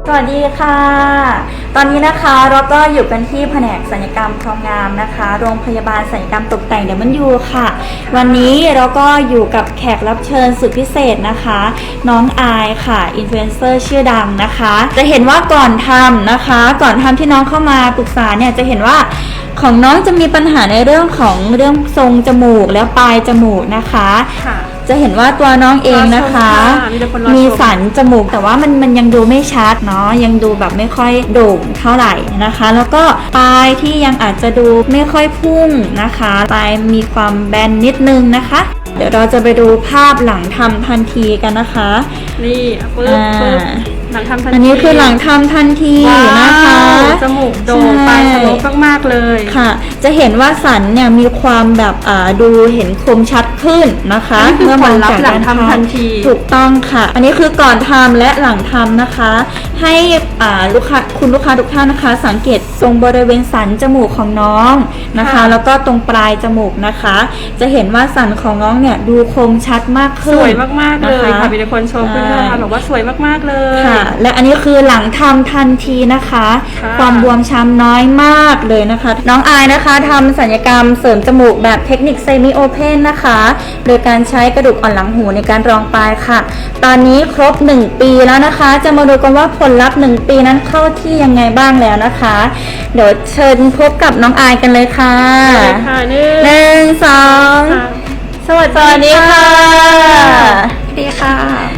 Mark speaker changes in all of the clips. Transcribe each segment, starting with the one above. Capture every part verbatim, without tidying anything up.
Speaker 1: สวัสดีค่ะตอนนี้นะคะเราก็อยู่กันที่แผนกศัลยกรรมความงามนะคะโรงพยาบาลศัลยกรรมตกแต่งเดมันยูค่ะวันนี้เราก็อยู่กับแขกรับเชิญสุดพิเศษนะคะน้องอายค่ะอินฟลูเอนเซอร์ชื่อดังนะคะจะเห็นว่าก่อนทำนะคะก่อนทำที่น้องเข้ามาปรึกษาเนี่ยจะเห็นว่าของน้องจะมีปัญหาในเรื่องของเรื่องทรงจมูกและปลายจมูกนะคะจะเห็นว่าตัวน้องเองนะคะมีสันจมูกแต่ว่ามันมันยังดูไม่ชัดเนาะยังดูแบบไม่ค่อยโด่งเท่าไหร่นะคะแล้วก็ปลายที่ยังอาจจะดูไม่ค่อยพุ่งนะคะปลายมีความแบนนิดนึงนะคะเดี๋ยวเราจะไปดูภาพหลังทำทันทีกันนะคะ
Speaker 2: นี่ปึ๊บปึ๊บหลังทำทันที
Speaker 1: อันนี้คือหลังทำทันทีนะคะ
Speaker 2: จมูกโด่งปลายทะลุมากๆเลย
Speaker 1: ค่ะจะเห็นว่าสันเนี่ยมีความแบบอ่าดูเห็นคมชัดขึ้นนะคะ
Speaker 2: เมื่อผลลัพธ์หลังทำทันที
Speaker 1: ถูกต้องค่ะอันนี้คือก่อนทำและหลังทำนะคะให้อ่าลูกค้าคุณลูกค้าทุกท่านนะคะสังเกตตรงบริเวณสันจมูกของน้องนะคะแล้วก็ตรงปลายจมูกนะคะจะเห็นว่าสันของน้องเนี่ยดูคมชัดมากขึ้น
Speaker 2: สวยมากๆเลยค่ะมีคนชมเพื่อนๆค่ะบอกว่าสวยมากๆเลย
Speaker 1: ค่ะและอันนี้คือหลังทำทันทีนะคะความบวมช้ำน้อยมากเลยนะคะน้องอายนะคะทำศัลยกรรมเสริมจมูกแบบเทคนิคเซมิโอเพนนะคะโดยการใช้กระดูกอ่อนหลังหูในการรองปลายค่ะตอนนี้ครบหนึ่งปีแล้วนะคะจะมาดูกันว่าผลลัพธ์หนึ่งปีนั้นเข้าที่ยังไงบ้างแล้วนะคะเดี๋ยวเชิญพบกับน้องอายกันเลยค่ะหนึ่งสองสวัสดีค่ะ
Speaker 3: สวัสดีค่ะ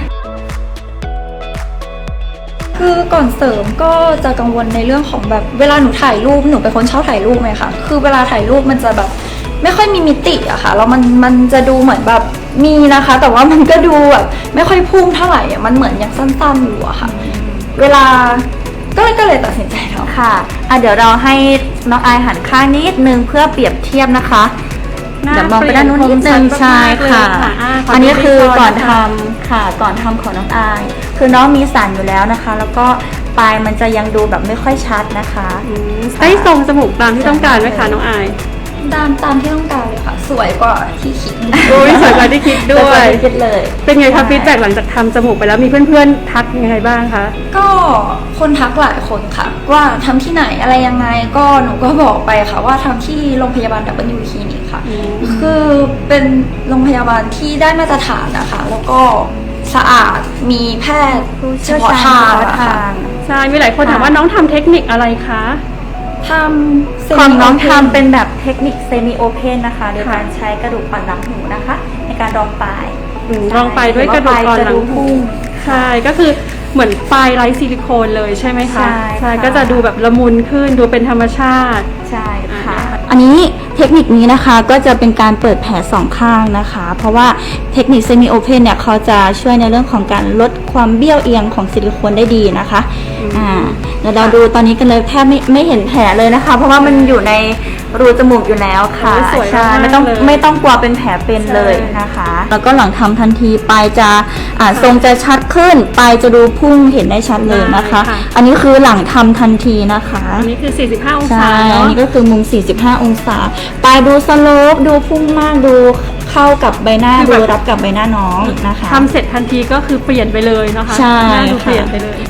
Speaker 3: คือก่อนเสริมก็จะกังวลในเรื่องของแบบเวลาหนูถ่ายรูปหนูเป็นคนชอบถ่ายรูปไหมคะคือเวลาถ่ายรูปมันจะแบบไม่ค่อยมีมิติอะค่ะแล้วมันมันจะดูเหมือนแบบมีนะคะแต่ว่ามันก็ดูแบบไม่ค่อยพุ่งเท่าไหร่อะมันเหมือนยังสั้นๆอยู่อะค่ะเวลาก็เลยก็เลยตัดสินใจทำ
Speaker 1: ค่ะอ่ะเดี๋ยวเราให้น้องอายหันข้างนิดนึงเพื่อเปรียบเทียบนะคะเดี๋ยวมองไปด้านนู้นนิดนึงใช่ค่ะอันนี้คือก่อนทำค่ะก่อนทำของน้องอายคือน้องมีสันอยู่แล้วนะคะแล้วก็ปลายมันจะยังดูแบบไม่ค่อยชัดนะคะ
Speaker 2: ได้ทรงจมูกตามที่ต้องการไหมคะน้องอาย
Speaker 3: ตามตามที่ต้องการเลยค่ะสวยกว่าที่คิด
Speaker 2: โอ้ยสวยกว่าที่คิดด้วย
Speaker 1: คิดเลย
Speaker 2: เป็นไงคะฟีดแบ็กหลังจากทำจมูกไปแล้วมีเพื่อนๆทักยังไงบ้างคะ
Speaker 3: ก็คนทักหลายคนค่ะว่าทำที่ไหนอะไรยังไงก็หนูก็บอกไปค่ะว่าทำที่โรงพยาบาลดับเบิลยูคลินิกค่ะคือเป็นโรงพยาบาลที่ได้มาตรฐานนะคะแล้วก็สะอาดมีแพทย์เฉพาะทาง
Speaker 2: ใช่มีหลายคนถามว่าน้องทำเทคนิคอะไรคะ
Speaker 3: ทำ
Speaker 1: ของน้องทำเป็นแบบเทคนิคเซมิโอเพนนะคะโดยการใช้กระดูกอ่อนหลังหูนะคะในการรองปลาย
Speaker 2: รองปลายด้วยกระดูกอ่อนหลังหูใช่ก็คือเหมือนปลายไร้ซิลิโคนเลยใช่ไหมคะใช่ก็จะดูแบบละมุนขึ้นดูเป็นธรรมชาติ
Speaker 1: ใช่ค่ะอันนี้เทคนิคนี้นะคะก็จะเป็นการเปิดแผลสองข้างนะคะเพราะว่าเทคนิคเซมิโอเพนเนี่ยเขาจะช่วยในเรื่องของการลดความเบี้ยวเอียงของซิลิโคนได้ดีนะคะอ่าเดี๋ยวเราดูตอนนี้กันเลยแทบไม่ไม่เห็นแผลเลยนะคะเพราะว่ามันอยู่ในรูจมูกอยู่แล้วค่ะ
Speaker 2: ใช่
Speaker 1: ไม่ต้องไม่ต้องกลัวเป็นแผลเป็นเลยนะคะแล้วก็หลังทำทันทีปลายจะอ่าทรงจะชัดขึ้นปลายจะดูพุ่งเห็นได้ชัดเลยนะคะอันนี้คือหลังทำทันทีนะคะ
Speaker 2: อันนี้คือสี่สิบห้าองศา
Speaker 1: ใช่อันนี้ก็คือมุมสี่สิบห้าองศาปลายดูสโลปดูพุ่งมากดูเข้ากับใบหน้าดูรับกับใบหน้าน้องนะคะ
Speaker 2: ทำเสร็จทันทีก็คือเปลี่ยนไปเลยนะคะ
Speaker 1: ใช่
Speaker 2: หน้าดูเปลี่ยนไปเลย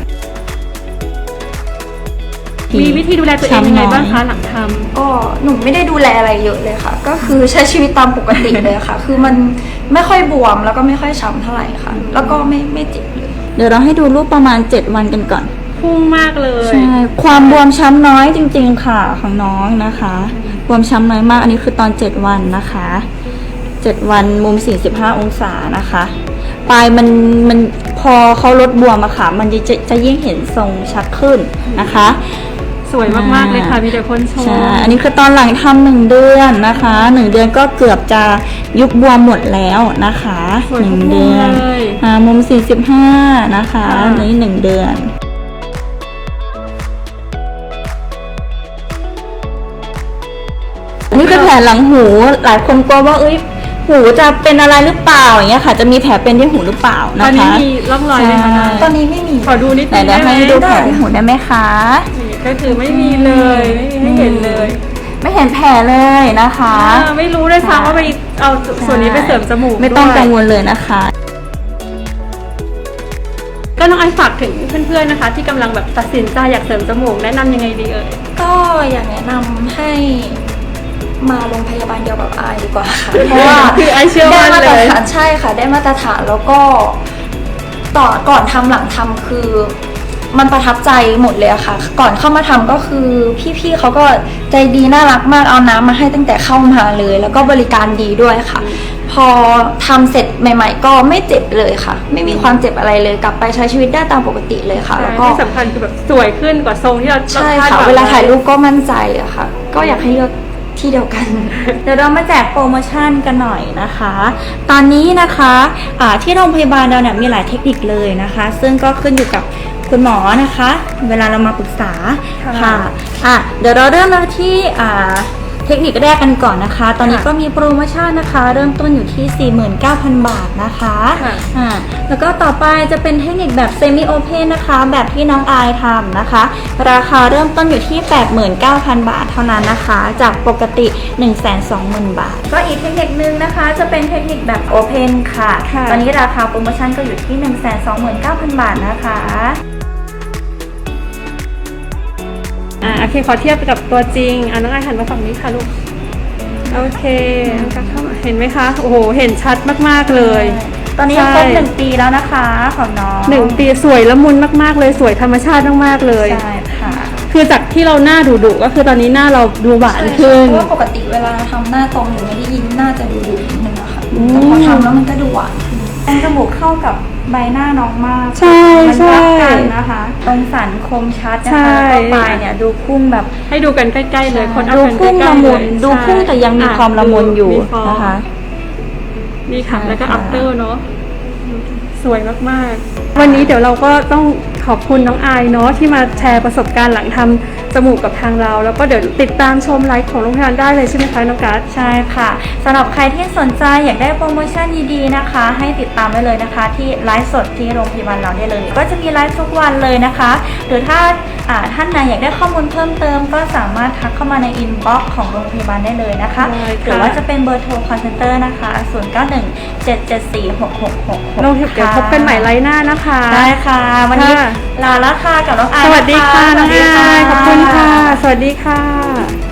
Speaker 2: มีวิธีดูแลตัวเองยังไงบ้างคะหลังทำ
Speaker 3: ก็หนูไม่ได้ดูแลอะไรเยอะเลยค่ะก็คือใช้ชีวิตตามปกติเลยค่ะคือมันไม่ค่อยบวมแล้วก็ไม่ค่อยช้ำเท่าไหร่ค่ะแล้วก็ไม่ไม่เจ็บเลย
Speaker 1: เดี๋ยวเราให้ดูรูปประมาณเจ็ดวันกันก่อน
Speaker 2: พุ่งมากเลย
Speaker 1: ใช่ความบวมช้ำน้อยจริงๆค่ะของน้องนะคะบวมช้ำน้อยมากอันนี้คือตอนเจ็ดวันนะคะเจ็ดวันมุมสี่สิบห้าองศานะคะปลายมันมันพอเขาลดบวมอะค่ะมันจะจะยิ่งเห็นทรงชัดขึ้นนะคะ
Speaker 2: สวยมากๆเลยค่ะมีแต่คนชม
Speaker 1: ใช่อันนี้คือตอนหลังทำหนึ่งเดือนนะคะหนึ่งเดือนก็เกือบจะยุบบวมหมดแล้วนะคะหนึ่งเดือนอ่ามุมสี่สิบห้านะคะนี่หนึ่งเดือนอันนี้คือแผลหลังหูหลายคนกลัวว่าเอ้ยหูจะเป็นอะไรหรือเปล่าอย่างเงี้ยค่ะจะมีแผลเป็นที่หูหรือเปล่านะคะตอนนี้
Speaker 2: มีร่องรอยไหมคะ
Speaker 3: ตอนนี้ไม่มี
Speaker 2: ขอดูนิดนึง
Speaker 1: ได้ไหมให้ดูแผลที่หูได้ไหมคะ
Speaker 2: ก็คือไม่มีเลยไม่เห็นเลย
Speaker 1: ไม่เห็นแผลเลยนะคะ
Speaker 2: ไม่รู้ด้วยซ้ำว่าไปเอาส่วนนี้ไปเสริมจมูก
Speaker 1: ไม่ต้องกังวลเลยนะคะ
Speaker 2: ก็น้องไอซ์ฝากถึงเพื่อนๆนะคะ ที่กำลังแบบตัดสินใจอยากเสริมจมูกแนะนำยังไงดีเอ่ย
Speaker 3: ก็อยากแนะนำให้มาโรงพยาบาลเดียวกับอายดีกว่าค่ะ เพราะว่า
Speaker 2: คือไอซ์เชื่อ
Speaker 3: ได้
Speaker 2: มั่น
Speaker 3: มาต
Speaker 2: เล
Speaker 3: ร
Speaker 2: ย
Speaker 3: ฐานใช่ค่ะ ได้มาตรฐานแล้วก็ต่อก่อนทำหลังทำคือมันประทับใจหมดเลยอะค่ะ ก่อนเข้ามาทำก็คือพี่ๆเขาก็ใจดีน่ารักมากเอาน้ำมาให้ตั้งแต่เข้ามาเลย แล้วก็บริการดีด้วยค่ะ พอทำเสร็จใหม่ ๆ ก็ไม่เจ็บเลยค่ะ ไม่มีความเจ็บอะไรเลยกลับไปใช้ชีวิตได้ตามปกติเลยค่ะ แล้วก็
Speaker 2: ที่สำคัญคือแบบสวยขึ้นกว่าทรงที่เรา
Speaker 3: ใช่
Speaker 2: คด
Speaker 3: ค่ะ
Speaker 2: หง
Speaker 3: เวลาถ่ายรู
Speaker 2: ไ
Speaker 3: ปก็มั่นใจอะค่ะ ก็อยากให้เลือกที่เดียวกัน
Speaker 1: เดี๋ยวเรามาแจกโปรโมชั่นกันหน่อยนะคะ ตอนนี้นะคะะที่โรงพยาบาลเราเนี่ยมีหลายเทคนิคเลยนะคะ ซึ่งก็ขึ้นอยู่กับคุณหมอนะคะ เวลาเรามาปรึกษา
Speaker 2: ค่ะ
Speaker 1: ค่ะอ่ะเดี๋ยวเราเริ่มเราที่อ่าเทคนิคแรกกันก่อนนะคะ ตอนนี้
Speaker 2: ค่ะ
Speaker 1: ก็มีโปรโมชั่นนะคะ เริ่มต้นอยู่ที่ สี่หมื่นเก้าพัน บาทนะคะ
Speaker 2: ค่ะ
Speaker 1: อ่าแล้วก็ต่อไปจะเป็นเทคนิคแบบเซมิโอเพนนะคะ แบบที่น้องอายทำนะคะ ราคาเริ่มต้นอยู่ที่ แปดหมื่นเก้าพัน บาทเท่านั้นนะคะ จากปกติ หนึ่งแสนสองหมื่น บาท ก็อีกเทคนิคนึงนะคะ จะเป็นเทคนิคแบบโอเพนค่ะ
Speaker 2: ค่ะ
Speaker 1: ตอนนี้ราคาโปรโมชั่นก็อยู่ที่ หนึ่งแสนสองหมื่นเก้าพัน บาทนะคะ
Speaker 2: อ่าโอเคขอเทียบกับตัวจริงอ่าน้องไอซ์หันมาฝั่งนี้ค่ะลูกโอเคน้องกั๊กเข้ามาเห็นไหมคะโอ้โหเห็นชัดมากๆเลย
Speaker 1: ตอนนี้
Speaker 2: ใช่
Speaker 1: ครบหนึ่งปีแล้วนะคะของน้อง
Speaker 2: หนึ่งปีสวยละมุนมากๆเลยสวยธรรมชาติมากๆเลย
Speaker 1: ใช่ค่ะ
Speaker 2: คือจากที่เราหน้าดุๆก็คือตอนนี้หน้าเราดูหวานขึ้น
Speaker 3: เพราะว่าปกติเวลาทำหน้าตรงหรือไม่ได้ยิ้มหน้าจะดูดุนิดนึงอะค่ะ
Speaker 2: อืม
Speaker 3: แต่พอทำแล้วมันก็ดูหวานขึ้น
Speaker 1: ตรงจมูกเข้ากับใบหน้าน้องมาก
Speaker 2: ใช่
Speaker 1: มั
Speaker 2: ใช่
Speaker 1: รักกันนะคะ ตรงสันคมชัดนะ
Speaker 2: ใช่
Speaker 1: คะก็ปลายเนี่ยดูพุ่งแบบ
Speaker 2: ให้ดูกันใกล้ๆเลยคนเอา
Speaker 1: ดู
Speaker 2: กันใก
Speaker 1: พุ่ง
Speaker 2: ล้
Speaker 1: ละ
Speaker 2: ๆเล
Speaker 1: มุน
Speaker 2: ย
Speaker 1: ดูพุ่งแต่ยังมี
Speaker 2: อ่
Speaker 1: ความละมุนอยู่
Speaker 2: มีฟง
Speaker 1: นะคะ
Speaker 2: นี่ค่ะ
Speaker 1: ใช่
Speaker 2: แล้วก็
Speaker 1: ค่ะ
Speaker 2: after เนอะสวยมากๆ วันนี้เดี๋ยวเราก็ต้องขอบคุณน้องอายเนาะที่มาแชร์ประสบการณ์หลังทำจมูกกับทางเรา แล้วก็เดี๋ยวติดตามชมไลฟ์ของโรงพยาบาลได้เลยใช่ไหมคะน้องกัส
Speaker 1: ใช่ค่ะสำหรับใครที่สนใจอยากได้โปรโมชั่นดีๆนะคะ ให้ติดตามได้เลยนะคะ ที่ไลฟ์สดที่โรงพยาบาลเราได้เลย ก็จะมีไลฟ์ทุกวันเลยนะคะ หรือถ้าอ่าท่านไหนอยากได้ข้อมูลเพิ่มเติม ก็สามารถทักเข้ามาในอินบ็อกซ์ของโรงพยาบาลได้เลยนะคะ
Speaker 2: ได้ค่ะ
Speaker 1: หรือว่าจะเป็นเบอร์โทรคอนเซ็นเตอร์นะคะ ศูนย์ เก้า หนึ่ง เจ็ด เจ็ด สี่ หก หก หก หก
Speaker 2: เราเดี๋ยวพบกันใหม่ไลฟ์หน้านะคะ
Speaker 1: ได้ค่ะ วันนี้
Speaker 2: ค่ะ
Speaker 1: ลาแล้วค่ะกับน้องอาย
Speaker 2: สวัสดีค่ะ
Speaker 1: น
Speaker 2: น้อง
Speaker 1: สวัสดี
Speaker 2: อายขอบคุณค่ะ สวัสดีค่ะ